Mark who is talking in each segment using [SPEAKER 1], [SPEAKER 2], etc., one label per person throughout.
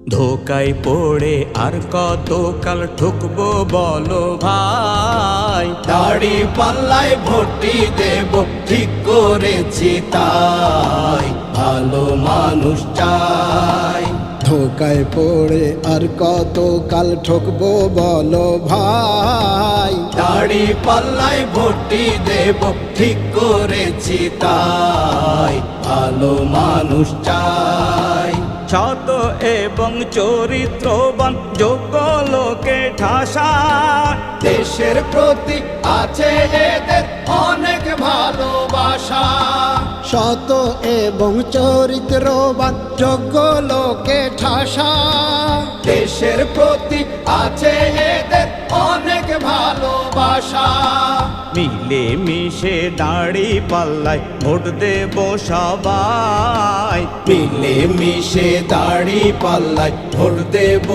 [SPEAKER 1] ধোকায় পড়ে আর কত কাল ঠুকবো বলো ভাই।
[SPEAKER 2] দাড়ি পাল্লায় ভর্তি দেব ঠিক করেছি তাই, ভালো মানুষ চাই।
[SPEAKER 3] ধোকায় পড়ে আর কত কাল ঠকবো বলো ভাই।
[SPEAKER 2] দাড়ি পাল্লায় ভর্তি দেব ঠিক করেছি তাই, ভালো মানুষ চাই।
[SPEAKER 1] সত এবং চরিত্রবান যোগ্য লোকে ঠাসা,
[SPEAKER 2] দেশের প্রতি আছে এদের অনেক ভালোবাসা।
[SPEAKER 3] সত এবং চরিত্রবান যোগ্য লোকে ঠাসা,
[SPEAKER 2] দেশের প্রতি আছে এদের অনেক ভালোবাসা।
[SPEAKER 1] মিলে মিশে দাড়ি পাল্লায় ভোট দেব সবাই।
[SPEAKER 2] মিলে মিশে দাড়ি পাল্লায় ভোট দেব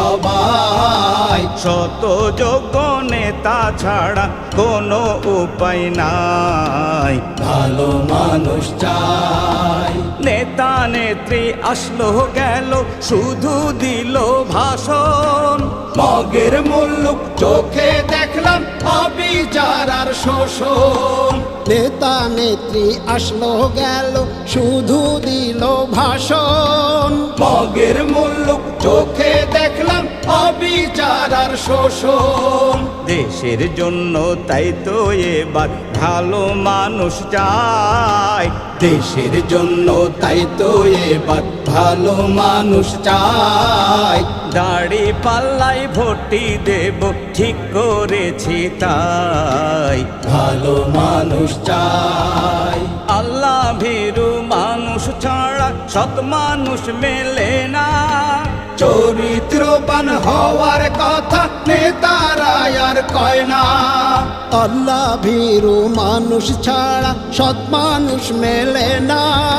[SPEAKER 2] সবাই।
[SPEAKER 1] শত যোগ্য নেতা ছাড়া কোনো উপায় নাই,
[SPEAKER 2] ভালো মানুষ চাই।
[SPEAKER 1] নেতা নেত্রী আসলো গেল শুধু দিল ভাষণ,
[SPEAKER 2] মগের মুল্লুক চোখে দেখলাম অবিচার আর শোষণ।
[SPEAKER 3] নেতা নেত্রী আসলো গেল শুধু দিল ভাষণ,
[SPEAKER 2] মগের মুল্লুক চোখে দেখলাম অবিচার আর শোষণ।
[SPEAKER 1] দেশের জন্য তাই তো এবার ভালো মানুষ চাই।
[SPEAKER 2] দেশের জন্য তাই তো এবার ভালো মানুষ চাই।
[SPEAKER 1] দাড়ি পাল্লাই ভোটটি দেব ঠিক করেছি তাই,
[SPEAKER 2] ভালো মানুষ চাই।
[SPEAKER 1] আল্লাহ ভীরু মানুষ ছাড়া সৎ মানুষ মেলে না।
[SPEAKER 2] চরিত্রবান হওয়ার কথা নেতারা আর কয় না।
[SPEAKER 3] আল্লাহ ভীরু মানুষ ছাড়া সৎ মানুষ মেলে না।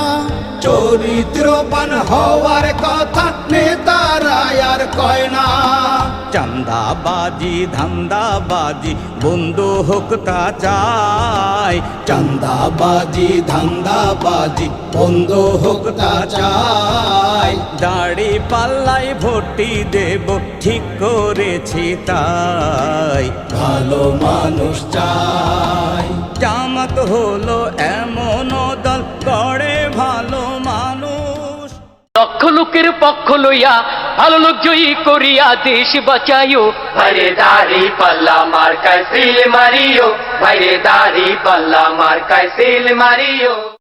[SPEAKER 2] চরিত্রবান হওয়ার কথা নেতারা আর কয় না।
[SPEAKER 1] চান্দাবাজি ধান্দাবাজি বন্ধ হোক তা চাই।
[SPEAKER 2] চান্দাবাজি ধান্দাবাজি বন্ধ হোক তা চাই।
[SPEAKER 1] দাড়ি পাল্লাই ভোটটি দেব ঠিক করেছি তাই,
[SPEAKER 2] ভালো মানুষ চাই।
[SPEAKER 1] জামাত হলো এমন দল করে ভালো মানুষ।
[SPEAKER 4] লক্ষ লোকের পক্ষ লইয়া ভালো লোক জয়ী করিয়া দেশ বাঁচাইও। ভাইরে দাড়ি পাল্লা মার্কায় সিল মারিও, ভাইরে দাড়ি পাল্লা মার্কায় সিল মারিও।